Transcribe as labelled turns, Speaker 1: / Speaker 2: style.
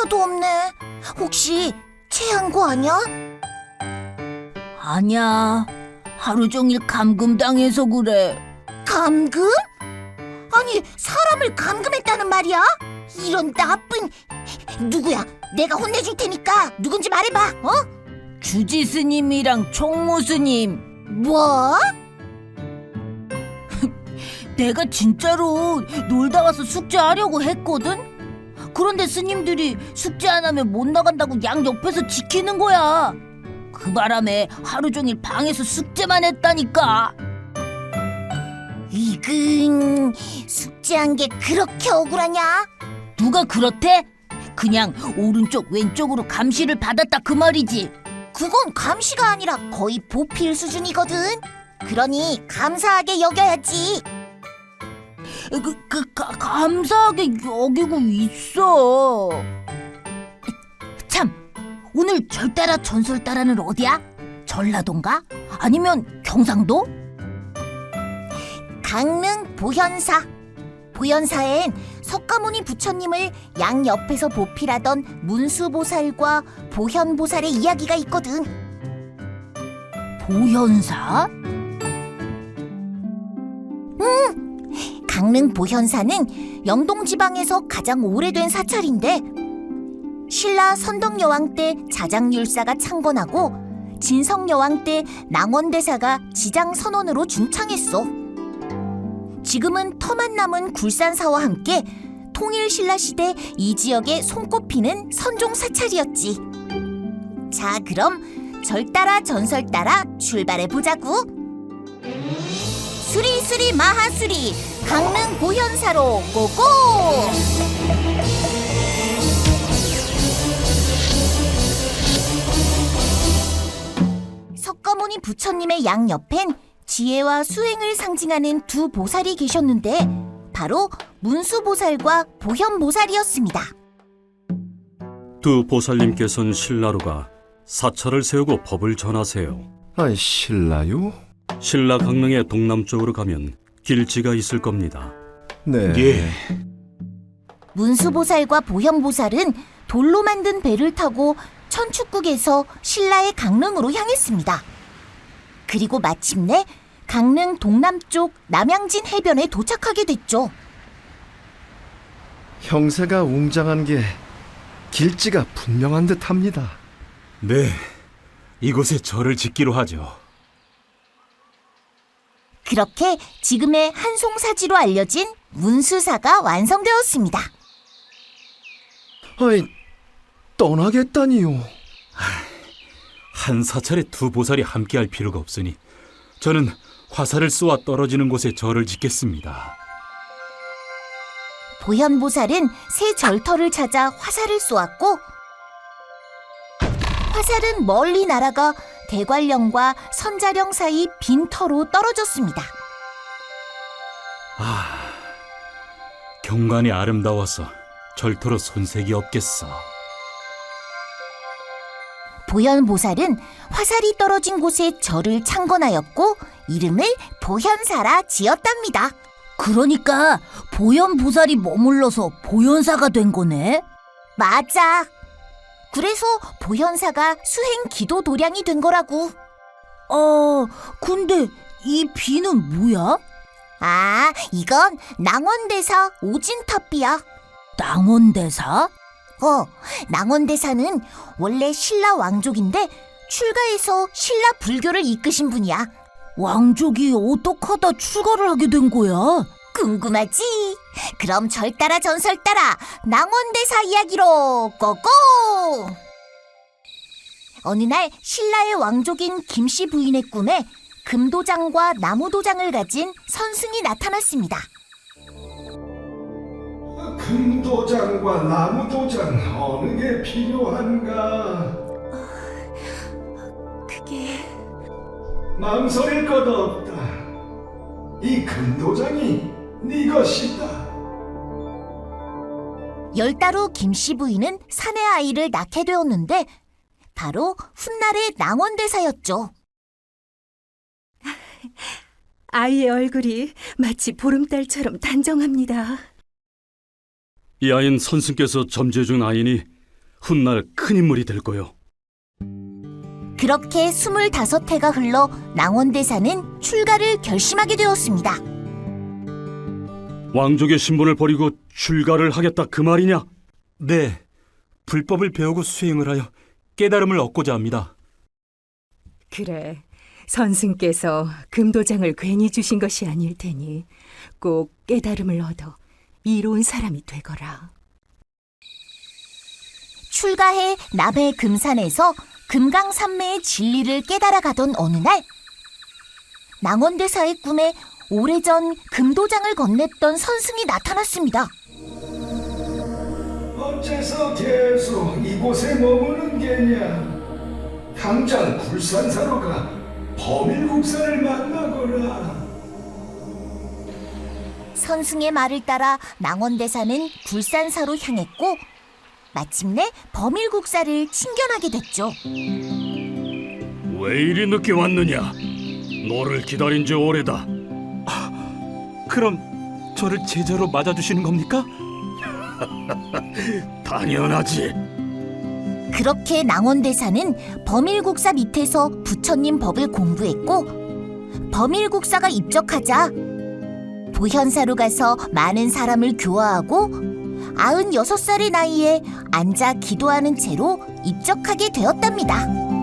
Speaker 1: 하나도 없네. 혹시 체한 거 아니야?
Speaker 2: 아니야. 하루 종일 감금당해서 그래.
Speaker 1: 감금? 아니, 사람을 감금했다는 말이야? 이런 나쁜... 누구야? 내가 혼내줄 테니까 누군지 말해봐, 어?
Speaker 2: 주지 스님이랑 총무 스님.
Speaker 1: 뭐?
Speaker 2: 내가 진짜로 놀다 와서 숙제하려고 했거든? 그런데 스님들이 숙제 안 하면 못 나간다고 양 옆에서 지키는 거야. 그 바람에 하루 종일 방에서 숙제만 했다니까.
Speaker 1: 이근... 숙제한 게 그렇게 억울하냐?
Speaker 2: 누가 그렇대? 그냥 오른쪽 왼쪽으로 감시를 받았다 그 말이지.
Speaker 1: 그건 감시가 아니라 거의 보필 수준이거든. 그러니 감사하게 여겨야지.
Speaker 2: 감사하게 여기고 있어. 참, 오늘 절따라 전설따라는 어디야? 전라도인가? 아니면 경상도?
Speaker 1: 강릉 보현사. 보현사엔 석가모니 부처님을 양 옆에서 보필하던 문수보살과 보현보살의 이야기가 있거든.
Speaker 2: 보현사?
Speaker 1: 강릉 보현사는 영동지방에서 가장 오래된 사찰인데 신라 선덕여왕 때 자장율사가 창건하고 진성여왕 때 낭원대사가 지장선원으로 중창했어. 지금은 터만 남은 굴산사와 함께 통일신라 시대 이 지역에 손꼽히는 선종 사찰이었지. 자, 그럼 절따라 전설따라 출발해보자구. 수리수리 마하수리 강릉 보현사로 고고! 석가모니 부처님의 양 옆엔 지혜와 수행을 상징하는 두 보살이 계셨는데 바로 문수보살과 보현보살이었습니다.
Speaker 3: 두 보살님께서는 신라로가 사찰을 세우고 법을 전하세요.
Speaker 4: 아이, 신라요?
Speaker 3: 신라 강릉의 동남쪽으로 가면 길지가 있을 겁니다.
Speaker 4: 네.
Speaker 5: 예.
Speaker 1: 문수보살과 보현보살은 돌로 만든 배를 타고 천축국에서 신라의 강릉으로 향했습니다. 그리고 마침내 강릉 동남쪽 남양진 해변에 도착하게 됐죠.
Speaker 4: 형세가 웅장한 게 길지가 분명한 듯합니다.
Speaker 5: 네, 이곳에 절을 짓기로 하죠.
Speaker 1: 그렇게 지금의 한송사지로 알려진 문수사가 완성되었습니다.
Speaker 4: 아이, 떠나겠다니요.
Speaker 5: 한 사찰에 두 보살이 함께할 필요가 없으니 저는 화살을 쏘아 떨어지는 곳에 절을 짓겠습니다.
Speaker 1: 보현보살은 새 절터를 찾아 화살을 쏘았고 화살은 멀리 날아가 대관령과 선자령 사이 빈터로 떨어졌습니다.
Speaker 5: 경관이 아름다워서 절토로 손색이 없겠어.
Speaker 1: 보현보살은 화살이 떨어진 곳에 절을 창건하였고 이름을 보현사라 지었답니다.
Speaker 2: 그러니까 보현보살이 머물러서 보현사가 된 거네?
Speaker 1: 맞아. 그래서 보현사가 수행 기도 도량이 된 거라고.
Speaker 2: 근데 이 비는 뭐야?
Speaker 1: 아, 이건 낭원대사 오진탑비야.
Speaker 2: 낭원대사?
Speaker 1: 낭원대사는 원래 신라 왕족인데 출가해서 신라 불교를 이끄신 분이야.
Speaker 2: 왕족이 어떡하다 출가를 하게 된 거야?
Speaker 1: 궁금하지? 그럼 절따라 전설따라 낭원대사 이야기로 고고! 어느 날 신라의 왕족인 김씨 부인의 꿈에 금도장과 나무도장을 가진 선승이 나타났습니다.
Speaker 6: 금도장과 나무도장 어느 게 필요한가?
Speaker 1: 그게...
Speaker 6: 망설일 것 없다. 이 금도장이 네 것이다.
Speaker 1: 10달 후 김씨 부인은 사내 아이를 낳게 되었는데 바로 훗날의 낭원대사였죠.
Speaker 7: 아이의 얼굴이 마치 보름달처럼 단정합니다.
Speaker 3: 이 아이는 선생께서 점제 중 아이니 훗날 큰 인물이 될 거요.
Speaker 1: 그렇게 25해가 흘러 낭원대사는 출가를 결심하게 되었습니다.
Speaker 3: 왕족의 신분을 버리고 출가를 하겠다 그 말이냐?
Speaker 5: 네, 불법을 배우고 수행을 하여 깨달음을 얻고자 합니다.
Speaker 7: 그래, 선승께서 금도장을 괜히 주신 것이 아닐 테니 꼭 깨달음을 얻어 이로운 사람이 되거라.
Speaker 1: 출가해 남해 금산에서 금강산매의 진리를 깨달아가던 어느 날 낭원대사의 꿈에 오래전 금도장을 건넸던 선승이 나타났습니다.
Speaker 6: 어째서 계속 이곳에 머무는 게냐? 당장 굴산사로 가 범일국사를 만나거라.
Speaker 1: 선승의 말을 따라 낭원대사는 굴산사로 향했고 마침내 범일국사를 친견하게 됐죠.
Speaker 3: 왜 이리 늦게 왔느냐? 너를 기다린 지 오래다.
Speaker 5: 그럼 저를 제자로 맞아주시는 겁니까?
Speaker 3: 당연하지.
Speaker 1: 그렇게 낭원대사는 범일국사 밑에서 부처님 법을 공부했고 범일국사가 입적하자 보현사로 가서 많은 사람을 교화하고 96살의 나이에 앉아 기도하는 채로 입적하게 되었답니다.